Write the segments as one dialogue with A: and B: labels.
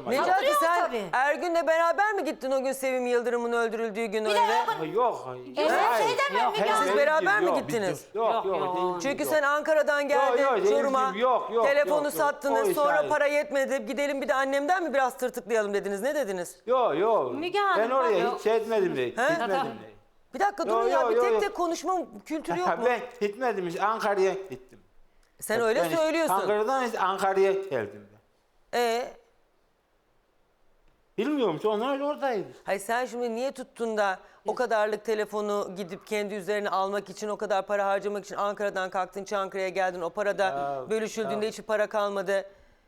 A: Necati sen
B: tabii.
A: Ergün'le beraber mi gittin o gün Sevim Yıldırım'ın öldürüldüğü gün
B: Bir de
A: öyle?
C: Yok.
B: şey demem Müge Hanım.
A: Siz beraber mi gittiniz?
C: Yok.
A: Çünkü sen Ankara'dan geldin Çorum'a.
C: Yok.
A: Telefonu sattınız.
C: O
A: Sonra
C: işaret.
A: para yetmedi. Gidelim bir de annemden mi biraz tırtıklayalım dediniz. Ne dediniz?
C: Yok.
B: Müge Hanım,
C: Ben oraya
B: bak-
C: hiç etmedim de. Gitmedim de.
A: Bir dakika durun ya.
C: Yok,
A: Bir
C: yok,
A: tek
C: yok.
A: tek konuşma kültürü yok mu?
C: Ben gitmedim hiç. Ankara'ya gittim.
A: Sen öyle
C: Ben
A: söylüyorsun.
C: Ankara'dan hiç Ankara'ya geldim ben. Bilmiyorum ki onlar oradaydı.
A: Hayır sen şimdi niye tuttun da o kadarlık telefonu gidip kendi üzerine almak için o kadar para harcamak için Ankara'dan kalktın Çankırı'ya geldin. O para da bölüşüldüğünde hiç para kalmadı.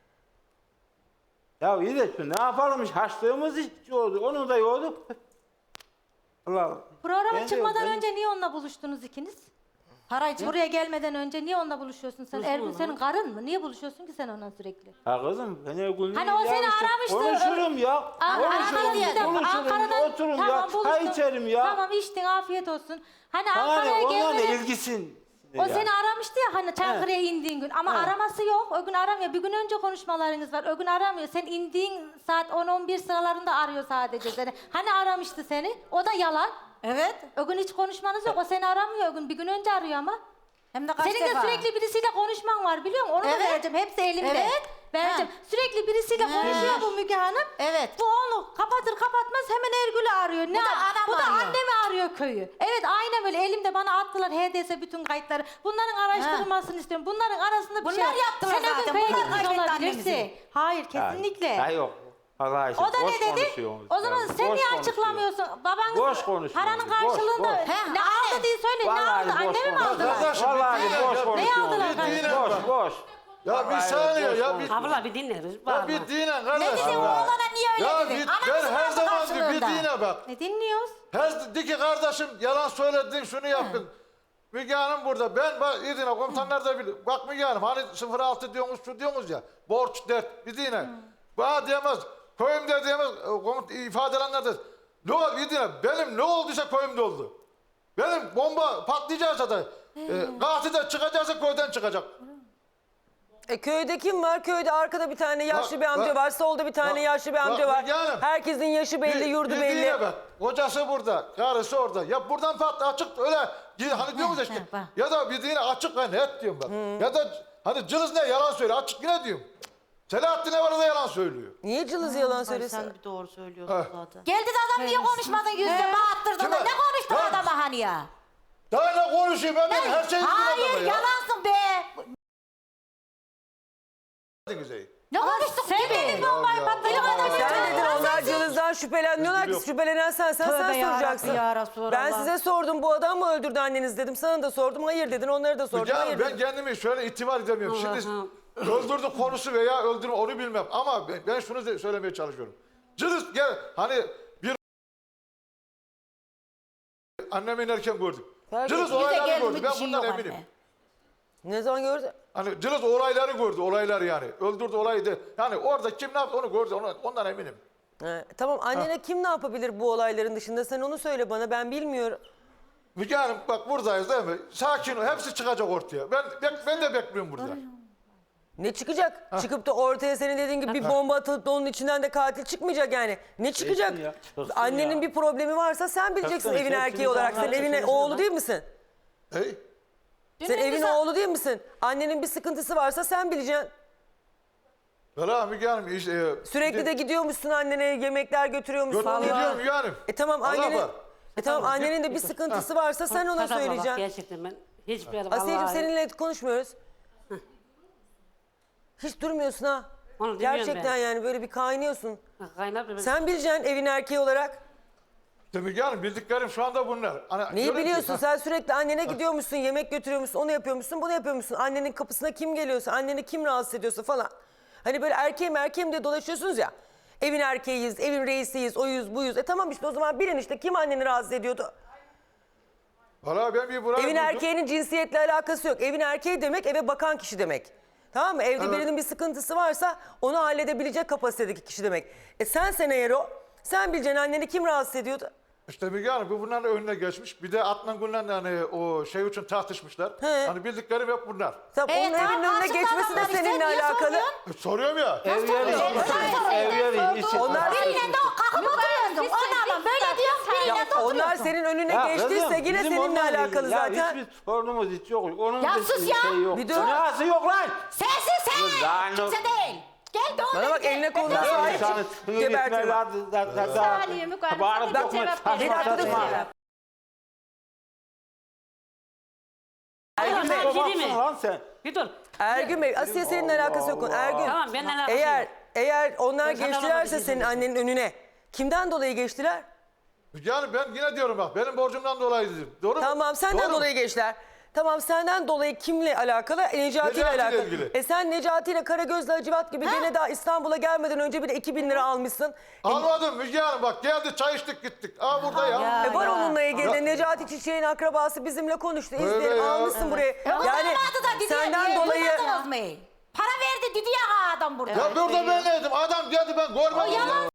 C: Ya iyi de şu ne yapalım haçlığımız hiç oldu. Onu da yorduk. Allah.
B: Programa
C: Ben de
B: çıkmadan
C: yok,
B: önce niye onunla buluştunuz ikiniz? Buraya gelmeden önce niye onunla buluşuyorsun sen? Ergün senin karın mı? Niye buluşuyorsun ki sen onunla sürekli?
C: Ya kızım ben her gün
B: Hani o seni aramıştı.
C: Konuşurum ya. Konuşurum. Oturum ya. Çay içerim ya.
B: Tamam içtin afiyet olsun. Hani
C: Bana
B: Ankara'ya
C: ne onunla
B: gelmeden...
C: ilgisin.
B: O seni aramıştı ya hani Çankırı'ya indiğin gün ama araması yok. O gün aramıyor. Bir gün önce konuşmalarınız var. O gün aramıyor. Sen indiğin saat 10-11 sıralarında arıyor sadece seni. Hani aramıştı seni. O da yalan.
D: Evet.
B: O gün hiç konuşmanız yok. O seni aramıyor o gün. Bir gün önce arıyor ama.
D: Hem de kaç
B: Senin de
D: defa.
B: sürekli birisiyle konuşman var biliyor musun? Onu da
D: Evet.
B: vereceğim. Hepsi elimde.
D: Evet.
B: Vereceğim. Sürekli birisiyle konuşuyor bu Müge Hanım.
D: Evet.
B: Bu onu kapatır kapatmaz hemen Ergül'ü arıyor.
D: Bu da anam
B: Bu da
D: arıyor.
B: annemi arıyor köyü. Evet aynen böyle elimde bana attılar HDS bütün kayıtları. Bunların araştırılmasını istiyorum. Bunların arasında bir
D: Bunlar
B: şey.
D: yaptılar
B: Sen o gün
D: zaten.
B: köye
D: Bunlar
B: gitmiş
D: kaybetti
B: olabilirsin.
D: annemizi.
B: Hayır kesinlikle.
C: Ya yok. Allah aşkına.
B: O da
C: boş
B: ne dedi?
C: konuşuyorsunuz
B: O zaman
C: ya,
B: sen
C: boş
B: niye
C: konuşuyor.
B: açıklamıyorsun? Babanız
C: Boş konuşuyor.
B: paranın
C: Boş,
B: karşılığında
C: boş.
B: ne aldı diye söyle. Ne
C: Vallahi
B: aldı?
C: boş
B: Annemi mi
C: konuşuyor.
B: aldılar?
E: Kardeşim,
C: Vallahi
E: bir
C: boş
E: dinle.
C: konuşuyorsunuz.
B: aldılar
E: Bir
B: kardeşim?
E: dinle
C: Boş
E: bak.
C: boş.
E: Ya bir
C: Vallahi
E: saniye
C: boş
E: ya
C: konuşuyor.
E: bir,
F: Abla bir dinleriz.
E: ya bir dinle kardeş.
D: Ne dedin oğlana niye öyle
E: Ya
D: dedin?
E: bir,
D: Anamızın
E: ben her
D: aldı
E: zaman diyor, bir
D: karşılığında.
E: dinle bak.
B: Ne dinliyoruz?
E: Her de ki kardeşim yalan söyledin şunu yaptın. Müge Hanım burada. Ben bak iyi dinle komutanlar da bilir. Bak Müge Hanım hani 06 diyorsunuz şu diyorsunuz ya. Borç dert bir dinle. Bana diyemez. Köyümde diyemez. İfadelenler de. Ne oldu iyi dinle. Benim ne olduysa köyümde oldu. Benim bomba patlayacaksa da katil de çıkacaksa köyden çıkacak.
A: Köyde kim var? Köyde arkada bir tane yaşlı
E: Bak,
A: bir amca
E: bak.
A: var. Solda bir tane
E: Bak,
A: yaşlı bir
E: bak,
A: amca var.
E: Müge Hanım.
A: Herkesin yaşı belli, yurdu
E: Bir
A: belli.
E: dinle bak. Kocası burada, karısı orada. Ya buradan açık öyle hani diyoruz ya işte.
D: bak.
E: Ya da bir dinle açık ve net diyorum bak. Ya da hani cılız ne yalan söyle açık yine diyorum. Selahattin ne var da yalan söylüyor.
A: Niye cılız yalan söylesin?
F: Sen bir doğru söylüyorsun
E: Ha.
F: zaten.
D: Geldi de adam niye konuşmadın yüzde bağıttırdın da
E: Kime?
D: ne konuştun
E: Ben-
D: adama hani ya?
E: Daha ne konuşayım ben her şeyi
D: Hayır yalansın be. Ne konuştuk?
B: Sen
D: Kim
B: dedin
D: dedi?
B: bombayı
E: Ya,
B: patlayacak
E: Allah
B: adam.
E: Allah.
A: Sen dedin onlar cılızdan şüpheleniyorlar ki şüphelenen sen
D: Tövbe ya
A: soracaksın.
D: Rabbi ya Resulallah.
A: Ben size sordum bu adam mı öldürdü anneniz dedim. Sana da sordum hayır dedin onları da sordum hayır
E: ben
A: dedin.
E: kendimi şöyle itibar edemiyorum. Şimdi öldürdü konusu veya öldürme onu bilmem. Ama ben şunu söylemeye çalışıyorum. Cılız gel hani bir annemi inerken gördük. Cılız
D: Bize
E: olayları
D: geldi
E: gördü.
D: mi
E: Ben
D: bir şey
E: bundan
D: yok
E: eminim.
D: anne.
A: Ne zaman gördü?
E: Hani Cılız olayları gördü, olaylar yani. Öldürdü olayı da. Yani orada kim ne yaptı onu gördü, ondan eminim.
A: Tamam annene kim ne yapabilir bu olayların dışında sen onu söyle bana ben bilmiyorum.
E: Müge Hanım bak buradayız değil mi? Sakin ol, hepsi çıkacak ortaya. Ben de bekliyorum burada.
A: Ne çıkacak? Çıkıp da ortaya senin dediğin gibi bir bomba atılıp da onun içinden de katil çıkmayacak yani. Ne çıkacak?
C: ya, çıksın
A: Annenin
C: ya.
A: bir problemi varsa sen bileceksin
C: Çıksın,
A: evin
C: hepsini
A: erkeği olarak. Sen
C: insanlar
A: evin
C: çıksın
A: oğlu
C: lan.
A: değil misin?
E: Hey?
A: Sen evin oğlu değil misin? Annenin bir sıkıntısı varsa sen bileceksin.
E: Valla Müge Hanım işte...
A: Sürekli de gidiyormuşsun annene yemekler götürüyormuşsun. onu
E: Götürüyorum
A: yapıyorsun.
E: Müge Hanım.
A: Tamam
E: Allah
A: annenin...
E: var.
A: Tamam annenin de bir sıkıntısı varsa sen ona
F: Bak,
A: söyleyeceksin.
F: gerçekten ben hiçbir yere
A: Asiyeciğim
F: vallahi-
A: seninle konuşmuyoruz. Hiç durmuyorsun ha.
F: Onu demiyorum
A: Gerçekten
F: ben.
A: yani böyle bir kaynıyorsun.
F: Kaynar bir-
A: Sen bileceksin evin erkeği olarak.
E: İşte Müge Hanım bildiklerim şu anda bunlar. Hani
A: Neyi
E: diyorum ki,
A: biliyorsun? Sen sürekli annene gidiyormuşsun, yemek götürüyormuşsun, onu yapıyormuşsun, bunu yapıyormuşsun. Annenin kapısına kim geliyorsa, anneni kim rahatsız ediyorsa falan. Hani böyle erkeğim diye dolaşıyorsunuz ya. Evin erkeğiyiz, evin reisiyiz, oyuz, buyuz. Tamam işte o zaman bilin işte kim anneni rahatsız ediyordu.
E: Valla ben bir buraya
A: Evin
E: buldum.
A: erkeğinin cinsiyetle alakası yok. Evin erkeği demek eve bakan kişi demek. Tamam mı? Evde
E: Evet.
A: birinin bir sıkıntısı varsa onu halledebilecek kapasitedeki kişi demek. Sen eğer o, sen bileceksin anneni kim rahatsız ediyordu?
E: İşte Müge Hanım bu bunların önüne geçmiş. Bir de Adnan Gün'le hani o şey için tartışmışlar.
A: He.
E: Hani bildiklerim hep bunlar.
A: Tabii onun
D: tamam,
A: evinin önüne
D: karşında
A: geçmesi de
D: adamlar işte,
A: seninle
D: niye
A: alakalı.
D: soruyorsun?
E: Soruyorum ya.
C: Ev yeri, ev yeri,
A: onlar-
D: Biriyle de o kalkıp oturuyordun. Onunla böyle diyorum, biriyle de
A: Onlar
D: oturuyorsun.
A: senin önüne
C: Ya
A: geçtiyse
C: kızım,
A: yine
C: bizim
A: seninle
C: onunla
A: alakalı
C: ilgili- ya
A: zaten.
C: hiçbir sorunumuz hiç yok. Onun
D: Ya
C: bir
D: sus ya.
C: Şey yok.
A: Bir dur.
C: Nasıl yok lan?
D: Sensin sen.
C: Lan o-
D: Kimse değil. Gel de
A: Bana bak, eline koluna sahip çık. Gebertirim.
F: Saniye Müge Hanım,
C: Bağırıp
F: sana
C: yok
F: bir
C: mu?
F: cevap
C: Saçma
F: vereceğim.
C: saçma.
A: Ergün Bey,
F: Gireyim mi?
C: Babamsın lan sen.
F: Bir dur.
A: Ergün Bey, Asiye seninle alakası yok. Ergün,
F: Tamam, benimle alakası yok.
A: eğer onlar
F: Ben sana
A: geçtilerse
F: bir şey
A: senin annenin önüne, kimden dolayı geçtiler?
E: Yani ben yine diyorum bak benim borcumdan dolayı dedim. Doğru mu?
A: Tamam, senden
E: Doğru mu?
A: dolayı geçtiler. Tamam, senden dolayı kimle alakalı? Necati ile
E: Necati ile
A: alakalı.
E: ilgili.
A: Sen Necati ile Karagöz'le Hacivat gibi gene daha İstanbul'a gelmeden önce bir de 2000 lira almışsın.
E: Almadım Müge Hanım bak geldi çay içtik gittik. Aa burada ya.
A: Var onunla ilgili de
E: Ya.
A: Necati Çiçek'in akrabası bizimle konuştu.
E: Öyle
A: İzleyelim,
E: ya.
A: almışsın buraya.
D: Yani, da dedi
A: senden dolayı...
D: Duymadınız mı? Para verdi dedi ya adam burada.
E: Ya burada ben neydim? Adam geldi ben görmedim ya.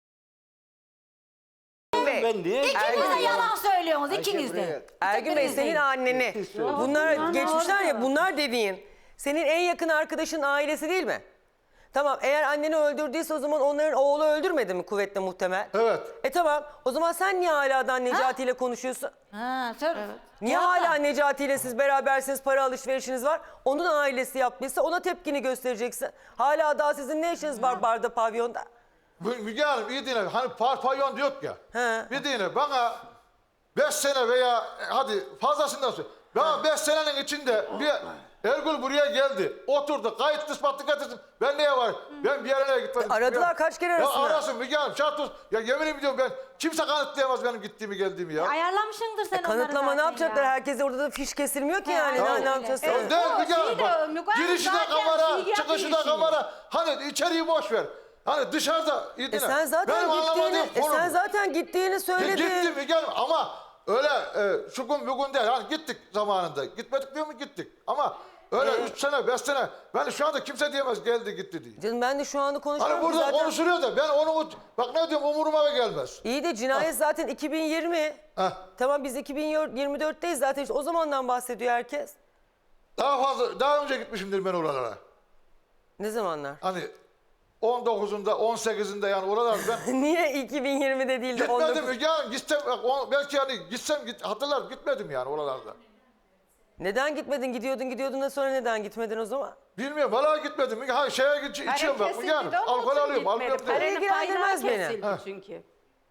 C: Ben niye?
D: İkiniz de yalan söylüyorsunuz ikiniz de.
A: Ergün Bey, senin anneni. Bunlar geçmişler ya, bunlar dediğin. Senin en yakın arkadaşın ailesi değil mi? Tamam, eğer anneni öldürdüyse o zaman onların oğlu öldürmedi mi kuvvetle muhtemel?
E: Evet.
A: Tamam, o zaman sen niye hala Necati ile konuşuyorsun?
D: Ha, söyle.
A: Niye hala Necati ile siz berabersiniz, para alışverişiniz var? Onun ailesi yaptıysa ona tepkini göstereceksin. Hala daha sizin ne işiniz var barda, pavyonda?
E: Müge Hanım iyi dinle. Hani pavyon diyor ya.
A: He.
E: Bir dinle bana 5 sene veya hadi fazlasından söyle. Bana 5 senenin içinde bir Ergül buraya geldi. Oturdu. Kayıt ispatlı getirsin. Ben neye var? Ben bir yerine gitmedim.
A: Aradılar, kaç kere arasınlar?
E: Ya arasın Müge Hanım. Şart olsun. Ya yemin ediyorum ben kimse kanıtlayamaz benim gittiğimi geldiğimi ya.
B: Ayarlamışsındır sen onları
A: Kanıtlama ne
B: zaten
A: yapacaklar?
B: ya.
A: Herkese orada da fiş kesilmiyor ki yani.
E: aynen.
A: Ne yapacağız?
E: Ya
A: sonra?
E: değil Müge Hanım bak.
F: Müge Hanım
E: Girişi de
F: zaten
E: kamera,
F: şey yapıyor
E: çıkışı da
F: işini.
E: kamera. Hani içeriği boş ver. Hani dışarıda iyi dinle.
A: Sen zaten
E: Benim anlamadığım
A: gittiğini,
E: konu
A: sen
E: bu.
A: zaten gittiğini söyledin.
E: Gittim Müge Hanım ama öyle şu gün bugün değil. Hani gittik zamanında. Gitmedik diyor mu gittik. Ama öyle 3 sene 5 sene. Ben şu anda kimse diyemez geldi gitti diye.
A: Canım ben de şu anda konuşuyorum.
E: Hani burada
A: zaten.
E: konuşuluyor da ben onu bak ne diyorum umuruma gelmez.
A: İyi de cinayet zaten 2020.
E: Heh.
A: Tamam, biz 2024'teyiz zaten, işte o zamandan bahsediyor herkes.
E: Daha fazla daha önce gitmişimdir ben oralara.
A: Ne zamanlar?
E: Hani 19'unda 18'inde yani oralar ben
A: Niye 2020'de değil de
E: gitmedim
A: 19?
E: Müge Hanım. Gitsem belki hani gitsem hatırlar gitmedim yani oralarda.
A: Neden gitmedin? Gidiyordun da sonra neden gitmedin o zaman?
E: Bilmiyorum valla gitmedim. Ha şeye içiyorum bak Müge Hanım. Alkol alıyorum. Alkol
A: Para
E: alıyorum.
A: ilgilendirmez beni.
F: Çünkü.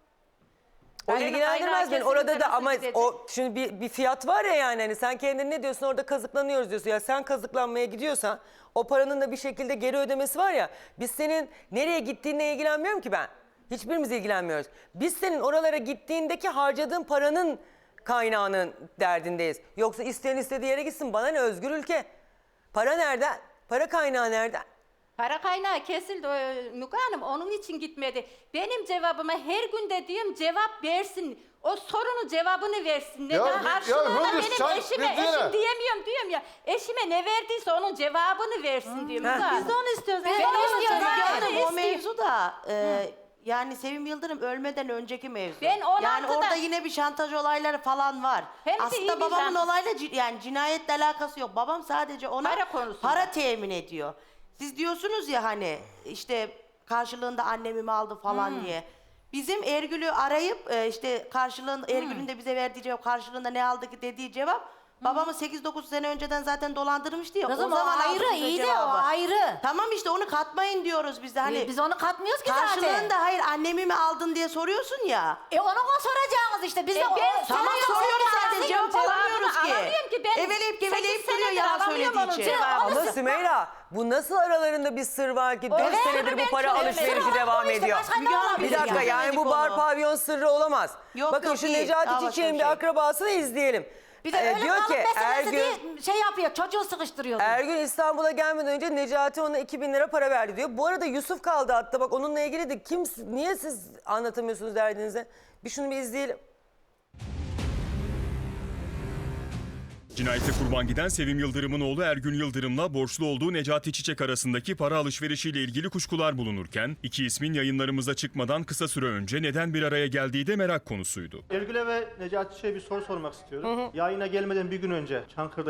A: O ilgilendirmez beni. Orada da ama
F: dedi.
A: o şimdi bir fiyat var ya, yani hani sen kendin ne diyorsun, orada kazıklanıyoruz diyorsun. Ya sen kazıklanmaya gidiyorsan o paranın da bir şekilde geri ödemesi var ya. Biz senin nereye gittiğinle ilgilenmiyorum ki ben. Hiçbirimiz ilgilenmiyoruz. Biz senin oralara gittiğindeki harcadığın paranın kaynağının derdindeyiz. Yoksa isteyen istediği yere gitsin. Bana ne, özgür ülke. Para nereden? Para kaynağı nereden?
G: Para kaynağı kesildi Müge Hanım, onun için gitmedi. Benim cevabıma her gün dediğim cevap versin. O sorunun cevabını versin.
E: Ya,
G: Neden? Karşılığında
E: Hündüz,
G: benim
E: sen
G: eşime,
E: bildiğine.
G: eşim diyemiyorum diyorum ya. Eşime ne verdiyse onun cevabını versin diyorum. Müge Hanım.
B: Biz de onu istiyoruz.
G: Ben
B: Ben
G: onu
B: onu
G: istiyorum.
B: istiyorum.
G: Yani
H: Yani o
G: eski-
H: mevzu da yani Sevim Yıldırım ölmeden önceki mevzu.
G: Ben 16'da
H: yani orada yine bir şantaj olayları falan var.
G: Hem de iyi
H: Aslında
G: bir
H: babamın
G: şantaj.
H: olayla yani cinayetle alakası yok. Babam sadece ona
G: Para konusunda.
H: para temin ediyor. Siz diyorsunuz ya hani işte karşılığında annemi mi aldı falan diye. Bizim Ergül'ü arayıp işte karşılığında Ergül'ün de bize verdiği cevap karşılığında ne aldı ki dediği cevap babamı 8-9 sene önceden zaten dolandırmıştı ya.
D: Kızım
H: o
D: o
H: zaman aldı
D: ayrı,
H: bize
D: iyi de o
H: cevabı.
D: ayrı.
H: Tamam işte onu katmayın diyoruz biz de hani.
D: Biz onu katmıyoruz ki zaten.
H: Karşılığında hayır annemi mi aldın diye soruyorsun ya.
D: Onu soracağınız işte. Biz de
G: ben
H: Tamam
G: sana
H: soruyoruz zaten
G: soruyorum,
H: cevap
G: cevabını
H: alamıyoruz ki.
G: alamıyorum ki ben
H: Eveleyip geveleyip
G: 8
H: duruyor
G: senedir
H: yalan
G: alamıyorum
H: söylediği
G: onun
H: için.
G: cevabını.
A: Ama Sümeyra, bu nasıl aralarında bir sır var ki 4
G: Evet,
A: senedir bu
G: ben
A: para
G: çok-
A: alışverişi
G: evet.
A: devam
D: işte,
A: ediyor?
D: başka ne
H: Müge Hanım,
D: olabilir
A: Bir dakika,
H: yani?
A: yani bu bar pavyon sırrı olamaz.
H: Yok,
A: Bakın
H: yok,
A: şu
H: değil.
A: Necati
H: Daha başka
A: Çiçek'in
H: bir
A: bir
H: şey.
A: akrabasını izleyelim.
D: Bir de öyle
A: diyor ki
D: kalıp meselesi
A: Ergün,
D: diye şey yapıyor. Çocuğu sıkıştırıyor.
A: Ergün İstanbul'a gelmeden önce Necati ona 2000 lira para verdi diyor. Bu arada Yusuf kaldı hatta, bak onunla ilgili de niye siz anlatamıyorsunuz derdinizi? Bir şunu bir izleyelim.
I: Cinayete kurban giden Sevim Yıldırım'ın oğlu Ergün Yıldırım'la borçlu olduğu Necati Çiçek arasındaki para alışverişiyle ilgili kuşkular bulunurken, iki ismin yayınlarımıza çıkmadan kısa süre önce neden bir araya geldiği de merak konusuydu.
J: Ergül'e ve Necati Çiçek'e bir soru sormak istiyorum. Yayına gelmeden bir gün önce Çankırı'da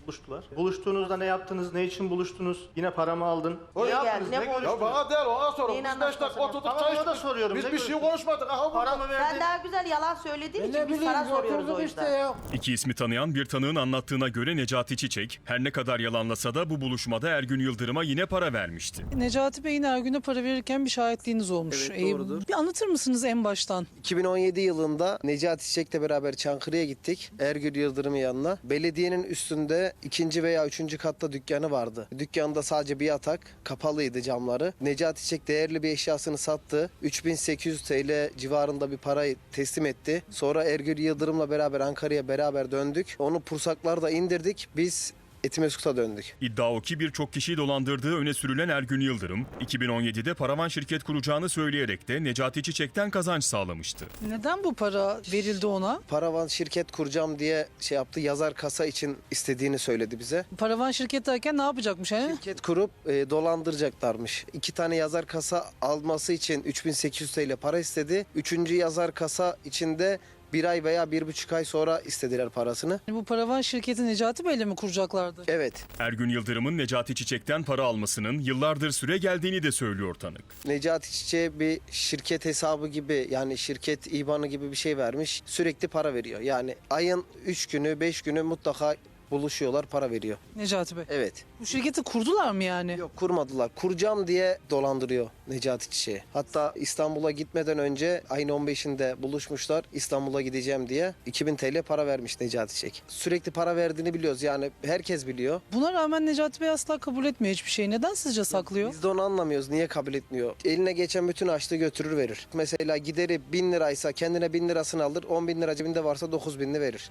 J: buluştular. Buluştuğunuzda ne yaptınız, ne için buluştunuz? Yine para mı aldın?
H: Niye
J: Ne
H: geldi,
J: yaptınız,
H: ne
J: ne
H: konuştunuz?
E: Ya
J: görüştünüz?
E: bana değil ona sorun.
H: Neyin
E: Biz 5 dakika
H: anlatmasını?
E: oturduk
J: Tamam,
E: çay
J: ona da
E: içtik.
J: soruyorum.
E: Biz
J: Ne
E: bir şey
J: görüştünüz?
E: konuşmadık. Aha
J: Para
E: burada.
J: mı
H: Sen
J: verdin?
H: daha güzel yalan söylediğin
E: Ne
H: için biz
E: bileyim
H: sana soruyoruz
E: oturduk
H: o
E: işte
H: yüzden.
E: ya.
I: İki ismi tanıyan bir tanığın anlattığına göre Necati Çiçek her ne kadar yalanlasa da bu buluşmada Ergün Yıldırım'a yine para vermişti.
K: Necati Bey'in Ergün'e para verirken bir şahitliğiniz olmuş.
L: Evet, doğrudur.
K: Bir anlatır mısınız en baştan?
L: 2017 yılında Necati Çiçek'le beraber Çankırı'ya gittik. Ergün Yıldırım'ın yanına. Belediyenin üstünde 2. veya 3. katta dükkanı vardı. Dükkanda sadece bir yatak, kapalıydı camları. Necati Çiçek değerli bir eşyasını sattı. 3800 TL civarında bir parayı teslim etti. Sonra Ergün Yıldırım'la beraber Ankara'ya beraber döndük. Onu Pursaklar'da indirdik. Biz Etimeskut'a döndük.
I: İddia o ki birçok kişiyi dolandırdığı öne sürülen Ergün Yıldırım, 2017'de paravan şirket kuracağını söyleyerek de Necati Çiçek'ten kazanç sağlamıştı.
K: Neden bu para verildi ona?
L: Paravan şirket kuracağım diye şey yaptı. Yazar kasa için istediğini söyledi bize.
K: Paravan şirket derken ne yapacakmış? He?
L: Şirket kurup dolandıracaklarmış. 2 tane yazar kasa alması için 3800 TL para istedi. 3. yazar kasa içinde 1 ay veya 1,5 ay sonra istediler parasını.
K: Bu paravan şirketi Necati Bey'le mi kuracaklardı?
L: Evet.
I: Ergün Yıldırım'ın Necati Çiçek'ten para almasının yıllardır süre geldiğini de söylüyor tanık.
L: Necati Çiçek'e bir şirket hesabı gibi yani şirket IBAN'ı gibi bir şey vermiş. Sürekli para veriyor. Yani ayın 3 günü 5 günü mutlaka buluşuyorlar, para veriyor.
K: Necati Bey.
L: Evet.
K: Bu şirketi kurdular mı yani?
L: Yok, kurmadılar. Kuracağım diye dolandırıyor Necati Çiçek'i. Hatta İstanbul'a gitmeden önce ayın 15'inde buluşmuşlar. İstanbul'a gideceğim diye 2000 TL para vermiş Necati Çiçek. Sürekli para verdiğini biliyoruz, yani herkes biliyor.
K: Buna rağmen Necati Bey asla kabul etmiyor hiçbir şey. Neden sizce saklıyor?
L: Biz de onu anlamıyoruz. Niye kabul etmiyor? Eline geçen bütün açlığı götürür verir. Mesela gideri 1000 liraysa kendine 1000 lirasını alır. 10 bin lira cebinde varsa 9.000'ini verir.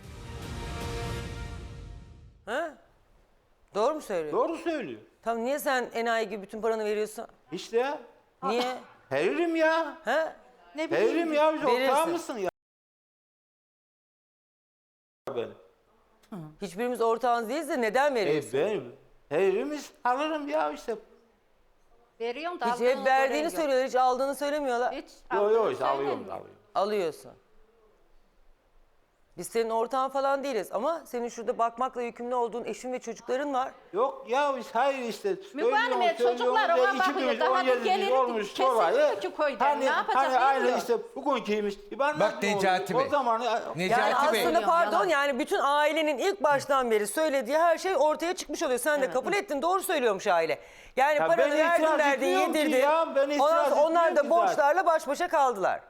A: Ha? Doğru mu söylüyor?
C: Doğru söylüyor.
A: Tamam, niye sen enayi gibi bütün paranı veriyorsun?
C: İşte ya.
A: Niye?
C: Veririm ya.
A: Ha?
H: Ne bileyim.
C: Veririm ya. Biz
A: Verirsin.
C: ortağı mısın ya? Benim.
A: Hiçbirimiz ortağınız değiliz de neden veriyorsun?
C: Benim. Veririz alırım ya işte.
G: Veriyorsun da
A: Hiç
G: aldığını
A: hep verdiğini
G: gören yok.
A: söylüyorlar, hiç aldığını söylemiyorlar.
G: Hiç
C: Yok
G: aldığını
C: yok işte
G: söylemiyor.
C: alıyorum.
A: Alıyorsun. Biz senin ortağın falan değiliz ama senin şurada bakmakla yükümlü olduğun eşin ve çocukların var.
C: Yok ya biz hayır işte.
G: Müge Hanım, çocuklar ona bakıyor. Daha bir geliri kesilmiyor ki köyden. Ne yapacak
C: Hani aynı
G: bilmiyor.
C: işte bugünküymüş.
M: Bak Necati Bey.
C: O zaman
M: Necati
A: Yani
M: Bey.
A: aslında pardon, yani bütün ailenin ilk baştan beri söylediği her şey ortaya çıkmış oluyor. Sen de kabul ettin, doğru söylüyormuş aile. Yani
C: Ya
A: paranı
C: ben
A: verdin
C: itiraz
A: verdin
C: etmiyorum ki
A: yedirdin.
C: ya, ben itiraz
A: Ondan sonra onlar
C: etmiyorum
A: da
C: ki
A: borçlarla baş başa kaldılar.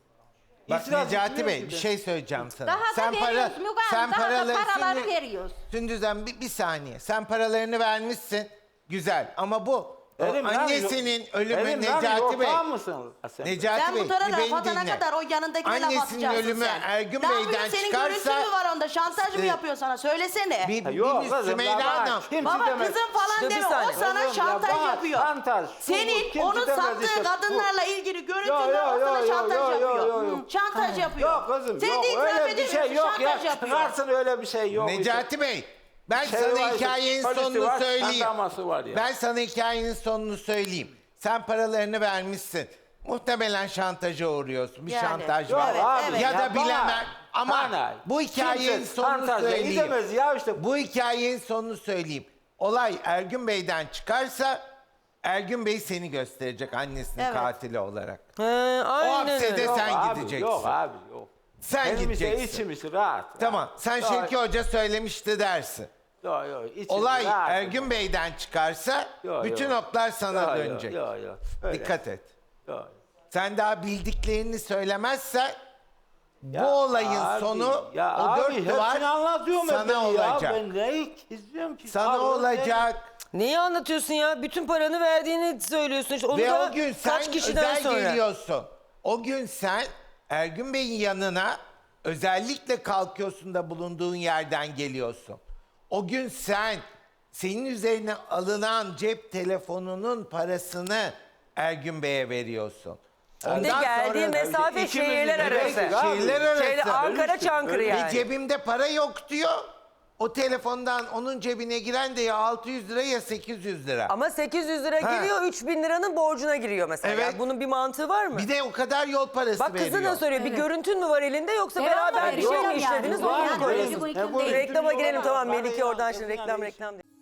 M: Bak
C: İtiraz
M: Necati
C: etmiyorum
M: Bey
C: ki
M: bir
C: de.
M: şey söyleyeceğim sana.
G: Daha da veriyoruz Müge Hanım. Daha da paraları veriyoruz.
M: Sündüz'den bir saniye. Sen paralarını vermişsin. Güzel ama bu o
C: Benim lan
M: annesinin
C: yok.
M: ölümü
C: Benim lan
M: Necati Bey.
C: ortağı mısın sen?
M: Necati
H: Sen
M: Bey
H: bu tarafa
M: bir beni
H: atana
M: dinle.
H: kadar o yanındakine laf
M: Annesinin
H: atacaksın
M: ölümü
H: sen.
M: Ergün
H: Ne yapıyor?
M: Bey'den
H: Senin
M: çıkarsa-
H: görüntün mü var onda? Şantaj mı
M: Ee,
H: yapıyor sana? Söylesene.
C: Yok kızım,
M: Sümeyra
C: ya bana
M: Hanım.
C: kimse
H: Baba
C: demez.
H: kızım falan
A: Dur bir
H: deme. O
A: saniye.
H: sana
C: Kızım,
H: şantaj
C: ya bana
H: yapıyor.
C: şantaj, şu bu,
H: Senin
C: kimse
H: onun
C: demez
H: sattığı
C: işte, bu.
H: kadınlarla ilgili görüntüler
C: Yo,
H: o
C: yo,
H: sana
C: yo,
H: şantaj
C: yo, yo,
H: yapıyor.
C: yo, yo.
H: Hı, şantaj yapıyor.
C: Yok kızım
H: Sen
C: yok
H: de itiraf
C: öyle bir şey
H: edemiyorsun,
C: yok ya.
H: şantaj yapıyor.
C: Çıkarsın öyle bir şey yok.
M: Necati Bey ben
C: Şey
M: sana
C: var,
M: hikayenin
C: polisi
M: sonunu
C: var,
M: söyleyeyim.
C: jandarması var ya.
M: Ben sana hikayenin sonunu söyleyeyim. Sen paralarını vermişsin. Muhtemelen şantaja uğruyorsun. Bir
H: Yani.
M: şantaj
C: Yok
M: var.
C: abi,
H: evet.
M: Ya da
C: bana-
M: bilemem. Ama
C: bana
M: bu hikayenin
C: kimse
M: sonunu
C: şantajla
M: söyleyeyim.
C: gidemez ya işte.
M: Bu hikayenin sonunu söyleyeyim. Olay Ergün Bey'den çıkarsa Ergün Bey seni gösterecek annesinin
H: Evet.
M: katili olarak.
A: He,
M: O
A: aynen
M: hapsede
A: öyle.
M: sen
C: Abi,
M: gideceksin.
C: Yok abi yok.
M: Sen
C: Benim
M: gideceksin.
C: işte içimiz rahat.
M: Tamam. Sen
C: Yok,
M: Şevki Hoca söylemişti dersin.
C: Yok yok içimiz
M: Olay
C: rahat.
M: Ergün Bey'den çıkarsa
C: Yok,
M: bütün
C: yok.
M: oklar sana
C: Yok,
M: dönecek.
C: Yok yok. Öyle.
M: Dikkat et.
C: Yok.
M: Sen daha bildiklerini söylemezsen
C: Ya
M: bu olayın
C: abi,
M: sonu
C: ya
M: o
C: abi,
M: dört duvar
C: hepsini anlatıyorum
M: sana
C: ben
M: olacak.
C: Ya. Ben neyi izliyorum ki?
M: Sana
C: Abi,
M: olacak.
A: Neyi anlatıyorsun ya? Bütün paranı verdiğini söylüyorsun. İşte onu
M: Ve
A: da
M: o gün sen
A: kaç kişiden
M: özel
A: sonra?
M: geliyorsun. O gün sen Ergün Bey'in yanına özellikle kalkıyorsun da bulunduğun yerden geliyorsun. O gün senin üzerine alınan cep telefonunun parasını Ergün Bey'e veriyorsun.
A: Bir de geldiği mesafe
C: ikimiz
A: şehirler
C: de
A: arası.
C: bekliyoruz abi.
M: Şehirler arası.
A: Ankara Çankırı
C: Öyle
A: yani.
M: Ve cebimde para yok diyor. O telefondan onun cebine giren de ya 600 lira ya 800 lira.
A: Ama 800 lira giriyor, 3000 liranın borcuna giriyor mesela.
M: Evet.
A: Yani bunun bir mantığı var mı?
M: Bir de o kadar yol parası
A: Bak
M: veriyor.
A: kızı da soruyor. Bir görüntün mü var elinde yoksa beraber bir şey mi
F: veriyor yani.
A: işlediniz? Onu
F: Yani
A: mu koyuyorsunuz?
F: mümkün değil.
A: Reklama girelim tamam. Melike oradan şimdi reklam.